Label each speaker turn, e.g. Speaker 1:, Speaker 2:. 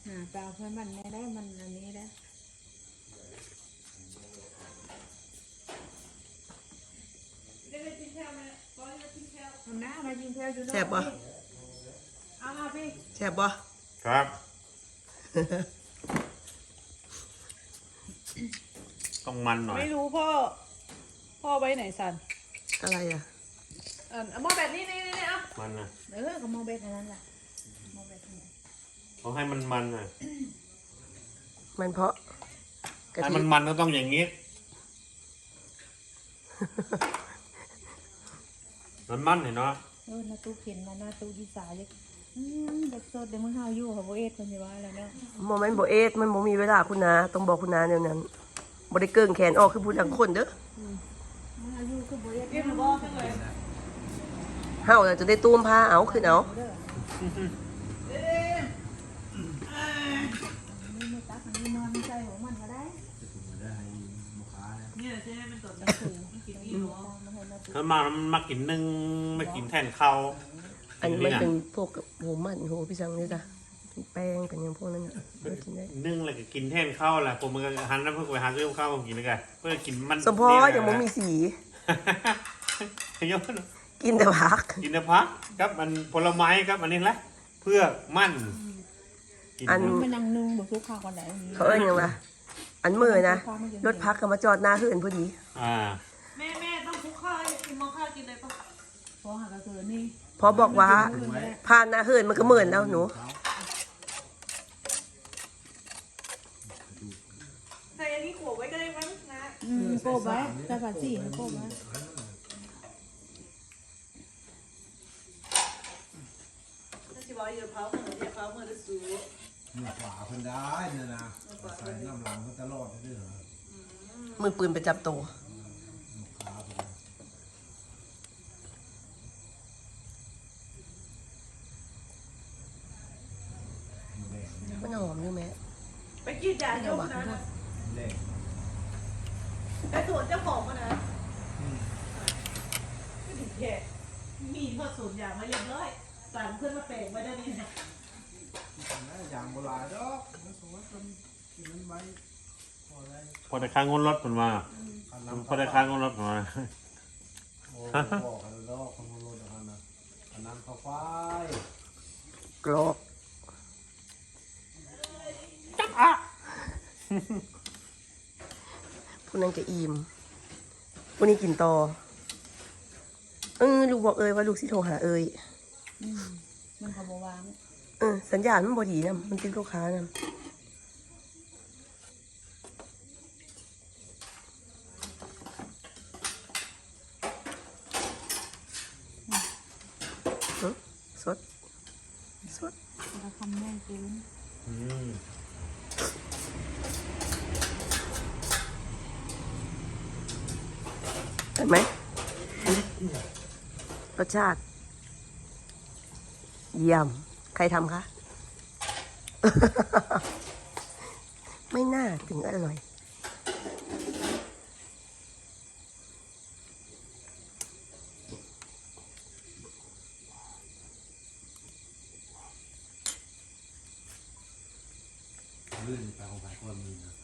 Speaker 1: เปล่าเพื่อนมันไม่ได้มันอันนี้ได้ทำหน้ามายิงแพลวอยู่
Speaker 2: แซ่บบ่
Speaker 1: เอามาพี่
Speaker 2: แซ่บบ่
Speaker 3: ครับ ต้องมันหน่อย
Speaker 4: ไม่รู้พ่อไว้ไหนสัน
Speaker 2: อะไรอ่ะ
Speaker 4: เอาหม้อแบบนี้นี่เอา
Speaker 3: มันนะ
Speaker 1: ก็มองเบ็ดอันนั้นแหละมองเบ็ดอันนั้น
Speaker 3: ต้องให้มันมันน่ะ
Speaker 2: มันเพราะกะ
Speaker 3: ให้
Speaker 2: ทิ
Speaker 3: มันมันก็ต้องอย่างนี้ มันเห็นเนาะ
Speaker 1: นาตู้เข็นมานาตู้ดีสายเลยเด็กโซดเดี๋ยวมึงห้าวอยู่ค่ะโบเอ็ดคนจะว่าแล้วเนาะ
Speaker 2: โมเมนต์โบเอสมันโมมีเวลาคุณนาต้องบอกคุณนาเดี๋ยวนั้นบ่ได้เกิงแขนออกคือพูดดังคนเด้อ
Speaker 1: มึงห้าวอยู่คือโบเอ็ด
Speaker 4: เรียบร้อยทั้งเลย
Speaker 2: เฮาน่ะจะได้ตูมผ้าเอาขึ้นเอา
Speaker 1: นี่ไม่ตักอันนี้นอนใจของมันก็ได้
Speaker 4: เนี่ยใช่ไหมมันตด
Speaker 1: มันกินนี่หรอมันให้นาตู้
Speaker 3: ถ้ามันมากินนึ่งไม่กินแทนข้าว
Speaker 2: อันนี้มันเป็นพวกโหมันโหพี่สังนี่จ้ะเป็นแป้งเป็นอย่างพวกนั้นน่ะมันกินได้
Speaker 3: นึ่งอะไรก็กินแทนข้าวแหละผมมันก็หันแล้วเพื่อไปหาซื้อข้าวมากินเลยกันเพื่อกินมัน
Speaker 2: สมพออย่างบ่มีสี
Speaker 3: เยอะ
Speaker 2: กินแต่ผัก
Speaker 3: กินแต่พักครับมันผลไม้ครับอันนี้แหละเพื่อมั่นกิน
Speaker 2: อัน
Speaker 1: มันนั่งนึ่งบุกทุกข้าวก่อนไหน
Speaker 2: เขาเอิ้นหยังวะอันมือนะรถพักก็มาจอดหน้าเฮือนพอดี
Speaker 4: แม่ต้องคลุกข้าวให้กินมองข้าวกินเลยปะ
Speaker 1: พอหากระเสือนี่
Speaker 2: พอบอกว่าผ่านหน้าเฮือนมันก็เหมือนแล้วหนู
Speaker 4: ใส่อันนี้ขวบไว้ก็ได้มั้งนะ
Speaker 1: โกบไว้แต่ผัดสี่โกบไว้
Speaker 4: ถ้าจิบอกอย่าเผาเหมือนอย่าเผาเหมือนจะสู
Speaker 5: เนี่ยขวาเพิ่นได้เนี่ยนะใส่น้ำหลังเพิ่นตลอดเลยเหรอ
Speaker 2: มือปืนไปจับตัว
Speaker 5: ขาเพิ่น
Speaker 2: มันหอมอยู่แม่
Speaker 4: ไปกินยาโยมนะ
Speaker 5: เละ
Speaker 4: ไอ้ส่วนเจ้าของมันนะก็ถึงแค่มีพอสูตรอย่างมาเรียบร้อยสั่งเพื่อนมาแปลงไว้ได้นี่นะ
Speaker 5: อย่างโบราณดอกมันสวยคนกินมันไว้พอได้
Speaker 3: พอได้ค้างงนรถมันมาพอได้ค้างงนรถมันมา
Speaker 5: โอ้บอกกันดอกคนโลดอันนั้นอันนั้นเข้าไป
Speaker 2: กรอบพวกนั้นก็อิ่มพวกนี้กินต่อลูกบอกเอ้ยว่าลูกสิโทรหาเอ้ย
Speaker 1: มันขบวาง
Speaker 2: สัญญาณมันบอดีนะมันติดลูกค้านะสดสด
Speaker 1: เราทำแม่เกิน
Speaker 2: เห็นไหมรสชาติ เยี่ยมใครทำคะ ไม่น่าถึงอร่อย
Speaker 5: ลื่นไปของไปคนมีนะ